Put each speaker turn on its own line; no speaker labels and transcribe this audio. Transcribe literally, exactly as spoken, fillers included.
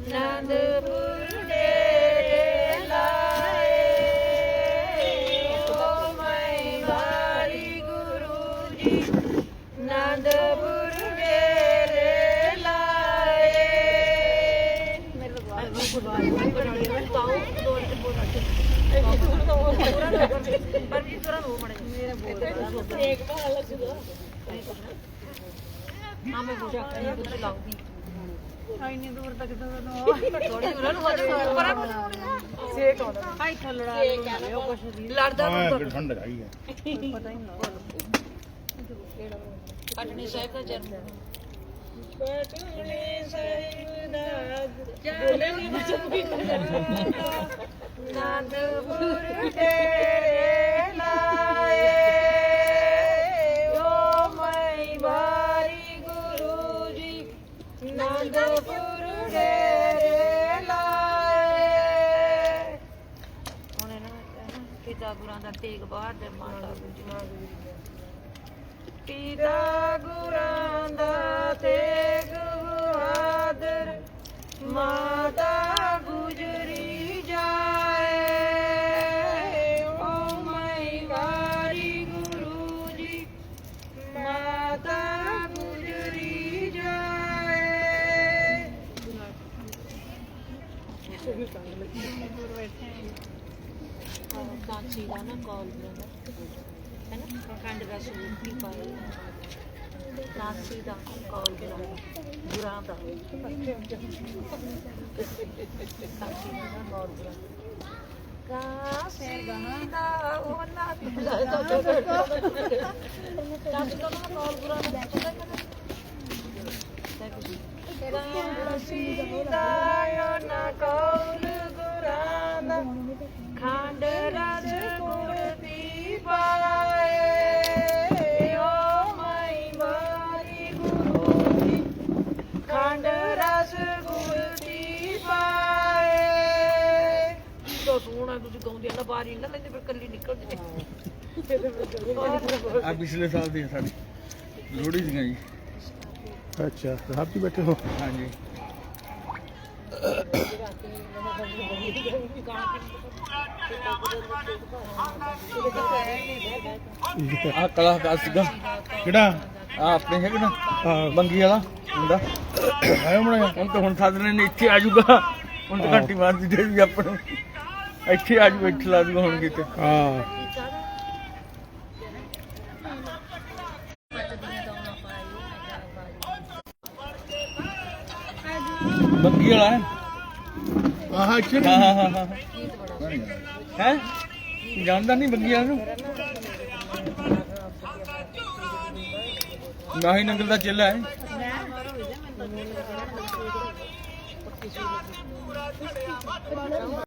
ਆਨੰਦਪੁਰ ਡੇਰੇ ਲਾਏ ਓ ਮੈਂ ਵਾਰੀ ਗੁਰੂ ਜੀ ਆਨੰਦਪੁਰ ਡੇਰੇ ਲਾਏ ਮੇਰੇ ਬਾਲ ਗੁਰਬਾਣੀ ਬਣਾਉਣੀ ਹੈ ਤਾਉ ਦੋ ਤੇ ਬੋਲ ਰੱਖ ਪਰ ਵੀ ਤੁਰਨ ਹੋ ਮੜੇ ਮੇਰੇ ਬੋਲ ਇੱਕ ਬਾਲ ਲੱਗਦਾ ਹਾਂ ਮੈਂ ਬੋਲ ਰਹੀ ਹਾਂ ਕੁਝ ਲਾਉਂਗੀ ਇੰਨੀ ਦੂਰ ਤੱਕ ਤਾਂ ਥੋੜੀ ਉਹਨਾਂ ਨੂੰ ਹੱਥ ਪਰ ਸੇਕ ਆਉਂਦਾ ਹਾਈ ਥੱਲੜਾ ਉਹ ਕੁਛ ਲੜਦਾ
ਹਾਂ ਠੰਡ ਹੈਗੀ ਹੈ
ਪਤਾ ਹੀ ਨਹੀਂ ਪਟਨੀ ਸਾਹਿਬ ਦਾ ਜਨਮ ਪਟਨੀ ਸਾਹਿਬ ਦਾ ਜਨਮ ਆਨੰਦਪੁਰ ਡੇਰੇ ਲਾਏ ਓ ਮੈਂ ਵਾਰੀ ਗੁਰੂ ਜੀ ਆਨੰਦਪੁਰ ਡੇਰੇ ਲਾਏ ਹੁਣ ਇਹਨਾਂ ਪਿਤਾ ਗੁਰਾਂ ਦਾ ਤੇਗ ਬਹਾਦਰ ਮਾਤਾ ਗੁਜਰੀ ਪਿਤਾ ਗੁਰਾਂ ਦਾ ਤੇਗ ਬਹਾਦਰ ਮਾਤਾ ਗੁਜਰੀ ਜਾਏ ਓ ਮੈਂ ਵਾਰੀ ਗੁਰੂ ਜੀ ਮਾਤਾ ਗੁਜਰੀ ਜਾਏ ਕਾਂਚੀ ਦਾ ਨਾ ਕਾਲ ਹੈ ਨਾ ਖੰਡ ਦਾ ਸੂਟ ਵੀ ਪਾਇਆ ਕਾਂਚੀ ਦਾ ਕਾਲ ਕਰਾਇਆ ਗੁਰਾਂ ਦਾ ਕਾਂਚੀ ਦਾ ਨਾ ਕਾਲ ਕਰਾਇਆ ਕਾਂਚੀ ਦਾ ਉਹਨਾਂ ਦੀ ਕਾਂਚੀ ਦਾ ਨਾ ਕਾਲ ਗੁਰਾਂ ਦਾ ਕਾਂਚੀ ਦਾ ਉਹਨਾਂ ਕਾਲ ਗੁਰਾਂ ਦਾ ਖੰਡ ਰਸ ਗੁਰ ਦੀ ਪਾਏ ਓ ਮੈਂ ਵਾਰੀ ਗੁਰੂ ਜੀ ਖੰਡ ਰਸ ਗੁਰ ਦੀ ਪਾਏ ਤੋ ਸੋਹਣਾ ਤੁਸੀਂ ਗਾਉਂਦੇ ਨਾ ਬਾਰੀ ਨਾ ਲੈਂਦੇ ਫਿਰ ਕੱਲੀ ਨਿਕਲ ਜੇ
ਆ ਪਿਛਲੇ ਸਾਲ ਦੀ ਸਾਡੀ ਲੋਹੜੀ ਦੀਆਂ ਜੀ
ਅੱਛਾ ਰਾਤੀ ਬੈਠੇ ਹੋ
ਹਾਂਜੀ ਆ ਕਲਾਕਾਰ ਸੀਗਾ
ਕਿਹੜਾ
ਆ ਆਪਣੇ ਹੈਗੇ ਨਾ
ਹਾਂ
ਬੰਗੀ ਵਾਲਾ ਮੁੰਡਾ
ਆਇਆ ਬਣਾਇਆ
ਹੁਣ ਤਾਂ ਹੁਣ ਸਾਧਨੇ ਨੇ ਇੱਥੇ ਆ ਜਾਊਗਾ ਹੁਣ ਤਾਂ ਘੰਟੀ ਮਾਰਦੀ ਦੇ ਵੀ ਆਪਣੇ ਇੱਥੇ ਆ ਜਾਊਗਾ ਇੱਥੇ ਲਾ ਦੂਗਾ ਹੁਣ ਕਿਤੇ
ਹਾਂ
ਬੰਗੀ ਵਾਲਾ ਹੈ
ਆਹ ਇੱਥੇ
ਹਾਂ ਹਾਂ ਹਾਂ ਹਾਂ ਹੈ ਜਾਣਦਾ ਨਹੀਂ ਬੰਗੀ ਵਾਲਾ ਨੂੰ ਨਾ ਹੀ ਨੰਗਲ ਦਾ ਚੇਲਾ ਹੈ